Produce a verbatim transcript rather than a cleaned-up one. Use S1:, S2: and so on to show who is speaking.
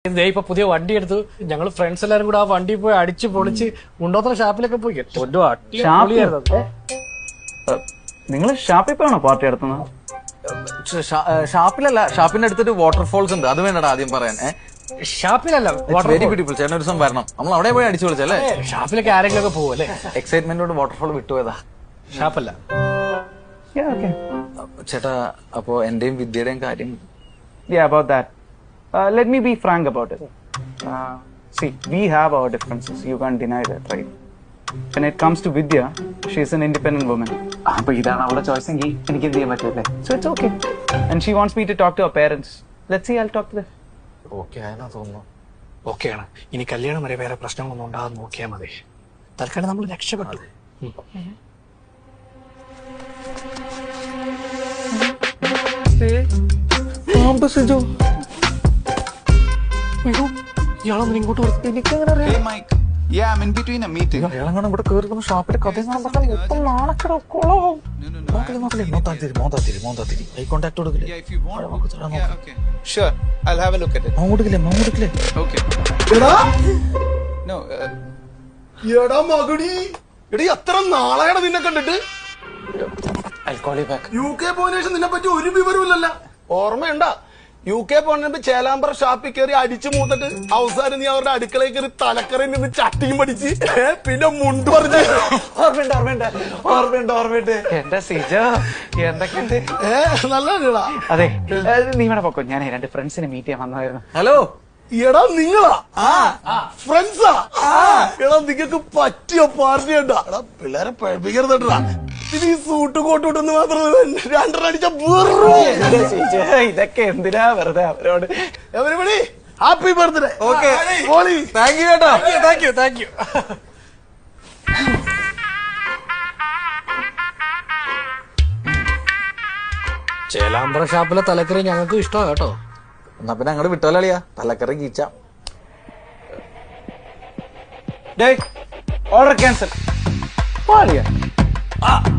S1: ഇപ്പൊ പുതിയ വണ്ടി എടുത്തു. ഞങ്ങൾ ഫ്രണ്ട്സ് എല്ലാരും കൂടെ ആ വണ്ടി പോയി അടിച്ച് പൊളിച്ച് ഉണ്ടോത്ര ഷാപ്പിലൊക്കെ പോയി.
S2: നിങ്ങൾ ഷാപ്പിൽ പോയാണോ പാർട്ടി നടത്തുന്നത്?
S3: ഷാപ്പിലല്ല, ഷാപ്പിന്റെ അടുത്തൊരു വാട്ടർഫോൾസ് ഉണ്ട്, അത് വേണ്ടടാ ആദ്യം പറയാൻ.
S1: ഷാപ്പിലല്ല,
S3: വെരി ബ്യൂട്ടിഫുൾ. ചേട്ടൻ ഒരു ദിവസം വരണം, നമ്മൾ അവിടെ പോയി അടിച്ചു വിളിച്ചല്ലേ.
S1: ഷാപ്പിലൊക്കെ ആരെങ്കിലും ഒക്കെ പോകും അല്ലേ?
S3: എക്സൈറ്റ്മെന്റോട് വാട്ടർഫോൾ വിട്ടുപോയതാ.
S1: ഷാപ്പല്ല
S3: ചേട്ടാ, അപ്പോ എന്റെയും വിദ്യയുടെയും കാര്യം.
S2: Yeah, about that. Uh, let me be frank about it. Uh, see, we have our differences. You can't deny that, right? When it comes to Vidya, she's an independent woman.
S3: അപ്പൊ ഇതാണ് അവളുടെ choice എങ്കിൽ എനിക്ക് എന്ത് ചെയ്യാൻ പറ്റില്ലേ?
S2: So it's okay. And she wants me to talk to her parents. Let's see, I'll talk to them.
S3: Okay ആയെന്നാ തോന്നുന്നു.
S1: ഓക്കെയാണ്. ഇനി കല്യാണം വരെ വേറെ പ്രശ്നങ്ങളൊന്നും ഉണ്ടാകാതെ നോക്കിയാൽ മതി. തൽക്കാലം നമ്മൾ രക്ഷപ്പെട്ടു. ഇയാളൊന്നും ഇങ്ങോട്ട്
S3: ഇവിടെ കയറുന്ന ഷോപ്പിലെ കഥ ഐ കോണ്ടാക്ട് കൊടുക്കില്ലേ?
S4: എത്ര നാളെയാണ് നിന്നെ കണ്ടിട്ട്? യു കെ പോയതിനു ശേഷം നിന്നെ പറ്റി ഒരു വിവരമില്ലല്ലോ. ഓർമ്മയുണ്ടാ? യു കെ പോണപ്പോ ചേലാമ്പ്ര ഷാപ്പിൽ കയറി അടിച്ചു മൂത്തിട്ട് അവസാനം നീ അവരുടെ അടുക്കളയിൽ കയറി തലക്കറയിൽ നിന്ന് ചട്ടിയും പഠിച്ച് പിന്നെ മുണ്ട് പറഞ്ഞു.
S3: ഓർമ്മയുണ്ട് ഓർമ്മയുണ്ട് ഓർമ്മയുണ്ട് ഓർമ്മയുണ്ട് എന്റെ സിജോ, എന്തൊക്കെയുണ്ട്?
S4: ഏഹ് നല്ല.
S2: അതെ, നീ വേണം പൊക്കോ, ഞാൻ രണ്ട് ഫ്രണ്ട്സിനെ മീറ്റ് ചെയ്യാൻ വന്നതായിരുന്നു.
S3: ഹലോ.
S4: എടാ നിങ്ങളാ ഫ്രണ്ട്സാ? എടാ നിങ്ങക്ക് പറ്റിയ പാർട്ടി ഉണ്ടാ? എടാ പിള്ളേരെ പഴപ്പിക്കരുതട്ടാ. ഇത് ഈ സൂട്ട് കോട്ടൂട്ടെന്ന് മാത്രം രണ്ടെണ്ണം അടിച്ച
S2: ഇതൊക്കെ എന്തിനാ വെറുതെ അവരോട്.
S4: Everybody happy birthday.
S3: Okay, thank you കേട്ടോ.
S1: Thank you thank you. Chelembra ഷാപ്പിലെ തലക്കറി ഞങ്ങൾക്ക് ഇഷ്ടമാണ് കേട്ടോ.
S3: എന്നാ പിന്നെ അങ്ങോട്ട് വിട്ടോളിയാ, തലക്കറി കീച്ച.
S2: Order cancel.